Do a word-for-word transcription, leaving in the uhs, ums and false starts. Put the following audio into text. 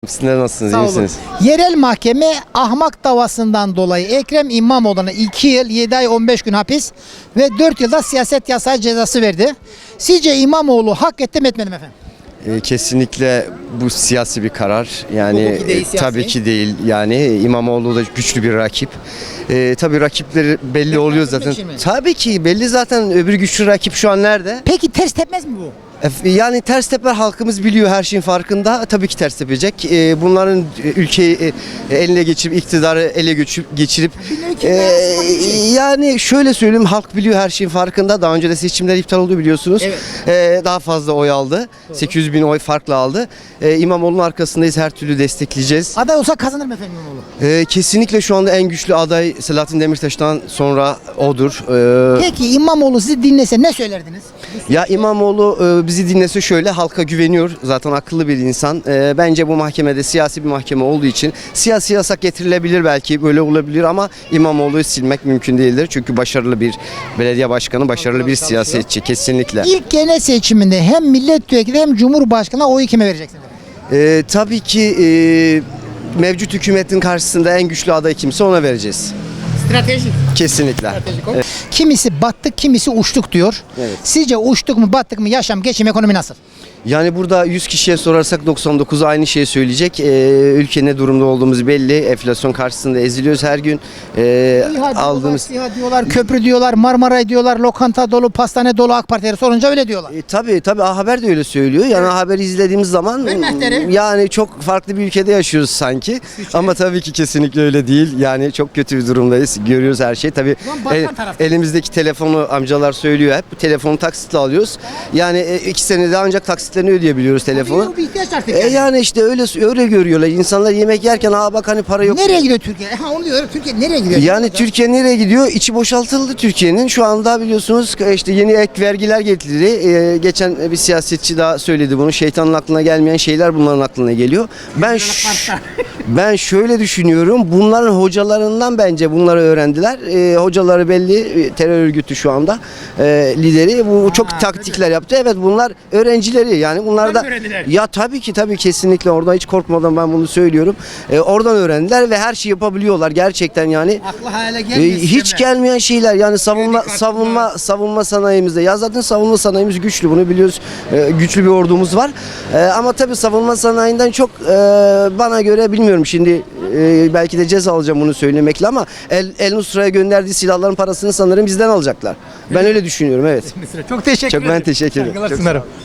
Sizler nasılsınız? Sağ İyi olun. misiniz? Yerel mahkeme ahmak davasından dolayı Ekrem İmamoğlu'na iki yıl yedi ay on beş gün hapis ve dört yılda siyaset yasağı cezası verdi. Sizce İmamoğlu hak etti mi etmedi mi efendim? Ee, kesinlikle bu siyasi bir karar. Yani Hukuki değil, e, siyasi. tabii ki değil. Yani İmamoğlu da güçlü bir rakip. Ee, tabii rakipleri belli oluyor zaten. için mi? Tabii ki belli zaten, öbür güçlü rakip şu an nerede? Peki ters tepmez mi bu? E, Yani ters teper, halkımız biliyor, her şeyin farkında. Tabii ki ters tepecek. Ee, bunların e, ülkeyi e, eline geçirip, iktidarı ele geçirip, geçirip ülke e, arasında bir şey. yani şöyle söyleyeyim, halk biliyor, her şeyin farkında. Daha önce de seçimler iptal oldu biliyorsunuz. Evet. Ee, daha fazla oy aldı. sekiz yüz bin oy farkla aldı. Ee, İmamoğlu'nun arkasındayız, her türlü destekleyeceğiz. Aday olsa kazanır mı efendim İmamoğlu? Ee, kesinlikle şu anda en güçlü aday Selahattin Demirtaş'tan sonra odur. Ee, Peki İmamoğlu sizi dinlese ne söylerdiniz? Ya İmamoğlu e, bizi dinlese şöyle, halka güveniyor. Zaten akıllı bir insan. E, bence bu mahkemede siyasi bir mahkeme olduğu için siyasi yasak getirilebilir, belki böyle olabilir ama İmamoğlu'yu silmek mümkün değildir. Çünkü başarılı bir belediye başkanı, başarılı bir siyasetçi kesinlikle. İlk genel seçiminde hem milletvekili hem cumhurbaşkanı oyu kime vereceksiniz? E, tabii ki e, mevcut hükümetin karşısında en güçlü aday kimse ona vereceğiz. Stratejik. Kesinlikle. Evet. Kimisi battık, kimisi uçtuk diyor. Evet. Sizce uçtuk mu, battık mı, yaşam, geçim, ekonomi nasıl? Yani burada yüz kişiye sorarsak doksan dokuzu aynı şeyi söyleyecek. Ee, ülke ne durumda olduğumuz belli. Enflasyon karşısında eziliyoruz her gün. Ee, İHA diyorlar, aldığımız SİHA diyorlar, köprü diyorlar, Marmaray diyorlar, lokanta dolu, pastane dolu, AK Partileri sorunca öyle diyorlar. E, tabii tabii A Haber de öyle söylüyor. Yani A Haber'i izlediğimiz zaman Hürmetleri. yani çok farklı bir ülkede yaşıyoruz sanki. Ama tabii ki kesinlikle öyle değil. Yani çok kötü bir durumdayız. Görüyoruz her şeyi. Tabii Ulan batan el- tarafta. elimizdeki telefonu amcalar söylüyor hep. Telefonu taksitle alıyoruz. Yani e, iki senede ancak taksitlerini ödeyebiliyoruz telefonu. Bir, bir ihtiyaç artık E yani. yani işte öyle öyle görüyorlar. İnsanlar yemek yerken aa bak hani para yok. Nereye gidiyor Türkiye? Ha, onu diyor. Türkiye nereye gidiyor? Yani Türkiye nereye gidiyor? İçi boşaltıldı Türkiye'nin. Şu anda biliyorsunuz işte yeni ek vergiler getirildi. Ee, geçen bir siyasetçi daha söyledi bunu. Şeytanın aklına gelmeyen şeyler bunların aklına geliyor. Ben ş- ben şöyle düşünüyorum. Bunların hocalarından bence bunları öğrendiler. Ee, hocaları belli, e, terör örgütü şu anda e, lideri. Bu çok taktikler yaptı. Evet, bunlar öğrencileri. Yani bunlar da ya tabii ki tabii kesinlikle orada hiç korkmadan ben bunu söylüyorum. Ee, oradan öğrendiler ve her şeyi yapabiliyorlar gerçekten yani. Aklı hayale Ee, gelmiyor. hiç sistemler. gelmeyen şeyler yani savunma Kredi kartı savunma savunma sanayimizde, ya zaten savunma sanayimiz güçlü, bunu biliyoruz. Ee, güçlü bir ordumuz var. Ee, ama tabii savunma sanayinden çok e, bana göre bilmiyorum şimdi, e, belki de ceza alacağım bunu söylemekle ama El, El Nusra'ya gönderdiği silahların parasını sanırım bizden alacaklar. Ben öyle düşünüyorum, evet. Çok teşekkür Çok ederim. ben teşekkür ederim. Saygılar Çok sunarım.